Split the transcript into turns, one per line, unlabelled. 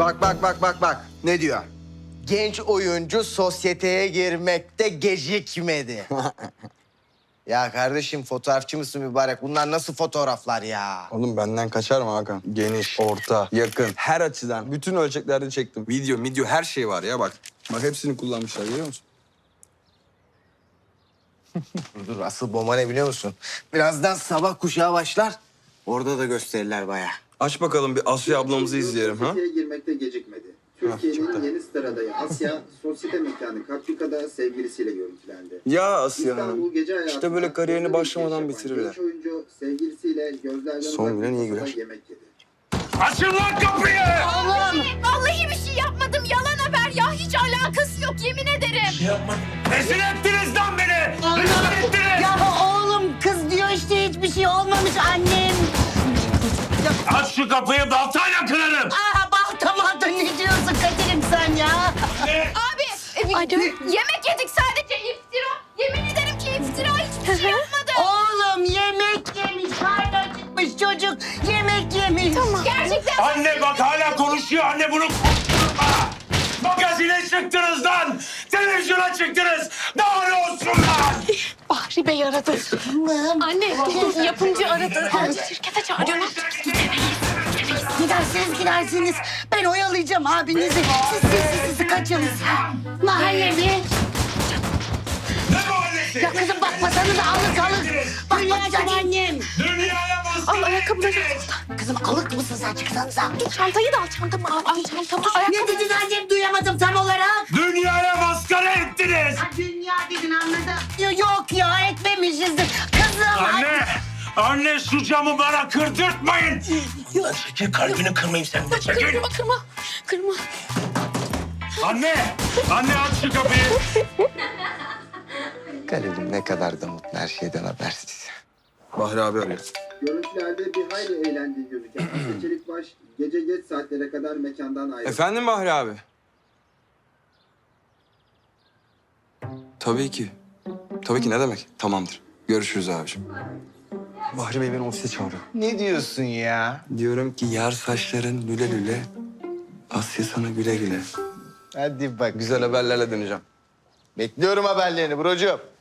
Bak. Ne diyor? Genç oyuncu sosyeteye girmekte gecikmedi. Ya kardeşim fotoğrafçı mısın mübarek? Bunlar nasıl fotoğraflar ya?
Oğlum benden kaçar mı Hakan? Geniş, orta, yakın, her açıdan, bütün ölçeklerde çektim. Video, her şey var ya bak. Bak hepsini kullanmışlar görüyor musun?
Dur asıl bomba ne biliyor musun? Birazdan sabah kuşağı başlar. Orada da gösterirler bayağı.
Aç bakalım bir Asya ablamızı izleyelim ha.
Sosyeteye girmekte gecikmedi. Türkiye'nin yeni star adayı Asya, sosyete mekanı Kapçuka'da sevgilisiyle görüntülendi.
Ya Asya Hanım.
İstanbul gece hayatında
İşte böyle kariyerini
gözde bir
başlamadan
iş yapan
bitirirler.
genç oyuncu sevgilisiyle gözlerden
Son gülen iyi
masada
güler.
yemek yedi.
Açın lan kapıyı!
Vallahi bir şey yapmadım. Yalan haber ya. Hiç alakası yok yemin ederim.
Rezil ettiniz lan beni! Rezil ettiniz!
Ya oğlum kız diyor işte hiçbir şey olmamış annem.
Aç şu kapıyı baltayla kırarım!
Aa balta ne diyorsun Kadir'im sen ya?
Abi yemek yedik sadece iftira. Yemin ederim ki iftira hiçbir şey yapmadım.
Oğlum yemek yemiş, karnı acıkmış çocuk. Yemek yemiş. Tamam.
Gerçekten
Anne bak hala konuşuyor. Anne bunu konuşturma! Magazine çıktınız lan! Televizyona çıktınız! Daha ne olsun lan?
Bahri Bey aradı. Anne dur yapımcı aradı. Şirkete çağırıyor. Ne yapacağız?
Gidersiniz. Ben oyalayacağım abinizi. Siz kaçın. Mahalle mi?
Ne mahallesi?
Ya kızım bakmasanız alır. Bakmayacağım annem.
Dünyaya baskı!
Al ayakkabıları.
Kızım alık mısın sen çıksanıza?
Dur çantayı da al çantamı al çantamı.
Ne dedin annem duyamadım tam olarak.
Dünyaya maskara ettiniz!
Ha, dünya dedin anladım. Yok ya etmemişizdir. Kızım.
Anne şu camı bana kırdırtmayın! Çekil kalbini kırmayayım senin de çekil!
Kırma.
Anne aç şu kapıyı!
Garibim ne kadar da mutlu her şeyden habersiz.
Bahri abi arıyor.
Görüntülerde bir hayli eğlendiği gözüken Asya Çelikbaş gece geç saatlere kadar mekandan ayrıldı.
Efendim Bahri abi? Tabii ki ne demek? Tamamdır. Görüşürüz abiciğim. Bahri Bey beni ofise çağırıyor.
Ne diyorsun ya?
Diyorum ki yar saçların lüle lüle, Asya sana güle güle.
Hadi bak.
Güzel haberlerle döneceğim.
Bekliyorum haberlerini brocuğum.